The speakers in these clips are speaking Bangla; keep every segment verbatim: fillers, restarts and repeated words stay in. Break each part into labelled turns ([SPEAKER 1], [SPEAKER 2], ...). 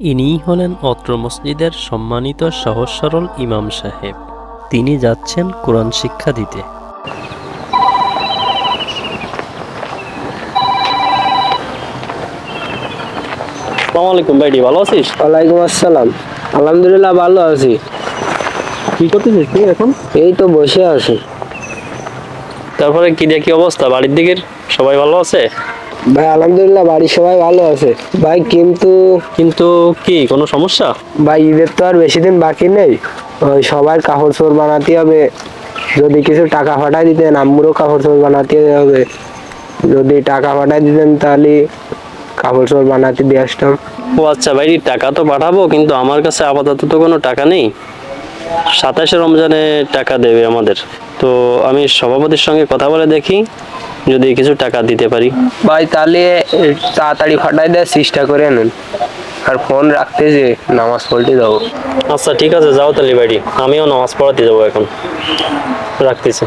[SPEAKER 1] ইনিই হলেন অত্র মসজিদের সম্মানিত সহজ সরল ইমাম সাহেব। তিনি যাচ্ছেন কোরআন শিক্ষা দিতে।
[SPEAKER 2] আসসালামু আলাইকুম ভাইটি, ভালো আছিস?
[SPEAKER 3] ওয়ালাইকুম আসসালাম। আলহামদুলিল্লাহ ভালো আছি।
[SPEAKER 2] কি করতেছিস তুই এখন?
[SPEAKER 3] এই তো বসে আছি।
[SPEAKER 2] তারপরে কি দেখি অবস্থা, বাড়ির দিকের সবাই ভালো আছে?
[SPEAKER 3] ভাই আলহামদুলিল্লাহ বাড়ির সবাই ভালো আছে ভাই, কিন্তু
[SPEAKER 2] কিন্তু কি কোনো সমস্যা?
[SPEAKER 3] ভাই ঈদের তো আর বেশি দিন বাকি নেই, ওই সবার কাপড় চোপড় বানাতে হবে। যদি কিছু টাকা পাঠাই দিতেন, আম্মুরও কাপড় চোপড় বানাতে হবে। যদি টাকা পাঠাই দিতেন তাহলে কাপড় চোপড় বানাতে দিয়ে আসতাম।
[SPEAKER 2] ও আচ্ছা ভাইটি, টাকা তো পাঠাবো, কিন্তু আমার কাছে আপাতত তো কোনো টাকা নেই। সাতাশে রমজানে টাকা দেবে আমাদের, তো আমি সভাপতির সঙ্গে কথা বলে দেখি যদি কিছু টাকা দিতে পারি।
[SPEAKER 3] ভাই তাহলে তাড়াতাড়ি পাঠাই দেওয়ার চেষ্টা করে নেন, আর ফোন রাখতে যে নামাজ পড়তে যাবো।
[SPEAKER 2] আচ্ছা ঠিক আছে, যাও তাহলে ভাইটি, আমিও নামাজ পড়াতে যাবো এখন, রাখতেছি।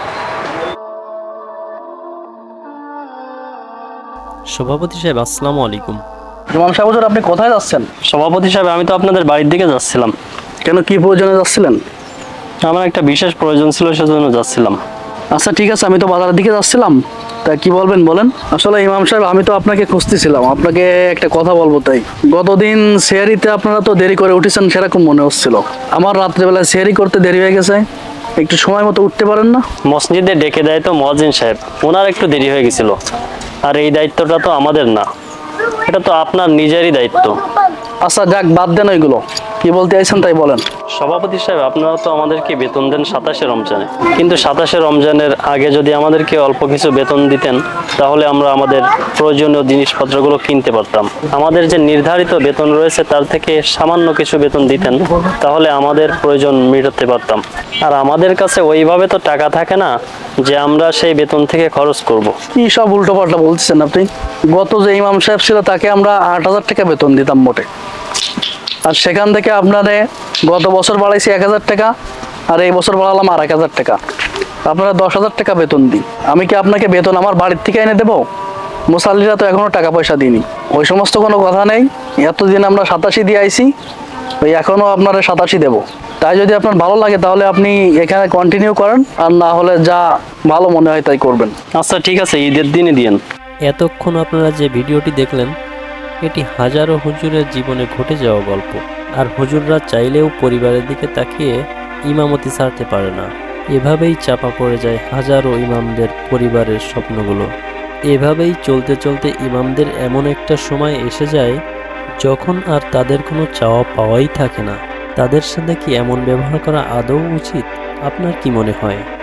[SPEAKER 1] সভাপতি সাহেব আসসালামু আলাইকুম।
[SPEAKER 4] ইমাম সাহেব হুজুর, আপনি কোথায় যাচ্ছেন?
[SPEAKER 2] সভাপতি সাহেব, আমি তো আপনাদের বাড়ির দিকে যাচ্ছিলাম।
[SPEAKER 4] কেন, কি প্রয়োজনে যাচ্ছিলেন?
[SPEAKER 2] আমার একটা বিশেষ প্রয়োজন ছিল, সেজন্য যাচ্ছিলাম।
[SPEAKER 4] আচ্ছা ঠিক আছে, আমি তো বাজারের দিকে যাচ্ছিলাম, তা কি বলবেন বলেন। আসলে ইমাম সাহেব, আমি তো আপনাকে খুঁজতেছিলাম, আপনাকে একটা কথা বলবো। তাই গতদিন সেহরিতে আপনারা তো দেরি করে উঠেছেন, সেরকম মনে হচ্ছিল। আমার রাত্রেবেলায় সেহরি করতে দেরি হয়ে গেছে, একটু সময় মতো উঠতে পারেন না?
[SPEAKER 2] মসজিদে ডেকে দেয় তো মুয়াজ্জিন সাহেব, ওনার একটু দেরি হয়ে গেছিল। আর এই দায়িত্বটা তো আমাদের না, এটা তো আপনার নিজেরই দায়িত্ব।
[SPEAKER 4] আচ্ছা যাক, বাদ দেন ওইগুলো, কি বলতে চাইছেন তাই বলেন।
[SPEAKER 2] সভাপতি সাহেব, আপনারা তো আমাদেরকে বেতন দেন সাতাশে রমজানে, কিন্তু সাতাশে রমজানের আগে যদি আমাদেরকে অল্প কিছু বেতন দিতেন, তাহলে আমরা আমাদের প্রয়োজনীয় জিনিসপত্রগুলো কিনতে পারতাম। আমাদের যে নির্ধারিত বেতন রয়েছে তার থেকে সামান্য কিছু বেতন দিতেন, তাহলে আমাদের প্রয়োজন মেটাতে পারতাম। আর আমাদের কাছে ওইভাবে তো টাকা থাকে না যে আমরা সেই বেতন থেকে খরচ করব।
[SPEAKER 4] কি সব উল্টো পাল্টা বলছেন আপনি। গত যে ইমাম সাহেব ছিল তাকে আমরা আট হাজার টাকা বেতন দিতাম মোটে, আর সেখান থেকে আপনারে গত বছর বাড়াইছি এক হাজার টাকা, আর এই বছর বাড়ালাম আর এক হাজার টাকা। আপনারা দশ হাজার টাকা বেতন দিই। আমি কি আপনাকে বেতন আমার বাড়ির থেকে এনে দেবো? মুসাল্লিরা তো এখনো টাকা পয়সা দিইনি, ওই সমস্ত কোনো কথা নেই। এতদিন আমরা সাতাশি দিয়ে আইছি, ওই এখনো আপনারা সাতাশি দেবো। তাই যদি আপনার ভালো লাগে তাহলে আপনি এখানে কন্টিনিউ করেন, আর না হলে যা ভালো মনে হয় তাই করবেন।
[SPEAKER 2] আচ্ছা ঠিক আছে, ঈদের দিনে দিয়েন।
[SPEAKER 1] এতক্ষণ আপনারা যে ভিডিওটি দেখলেন, এটি হাজারো হুজুরের জীবনে ঘটে যাওয়া গল্প। আর হুজুররা চাইলেও পরিবারের দিকে তাকিয়ে ইমামতি ছাড়তে পারে না। এভাবেই চাপা পড়ে যায় হাজারো ইমামদের পরিবারের স্বপ্নগুলো। এভাবেই চলতে চলতে ইমামদের এমন একটা সময় এসে যায় যখন আর তাদের কোনো চাওয়া পাওয়াই থাকে না। তাদের সাথে কি এমন ব্যবহার করা আদৌ উচিত? আপনার কি মনে হয়?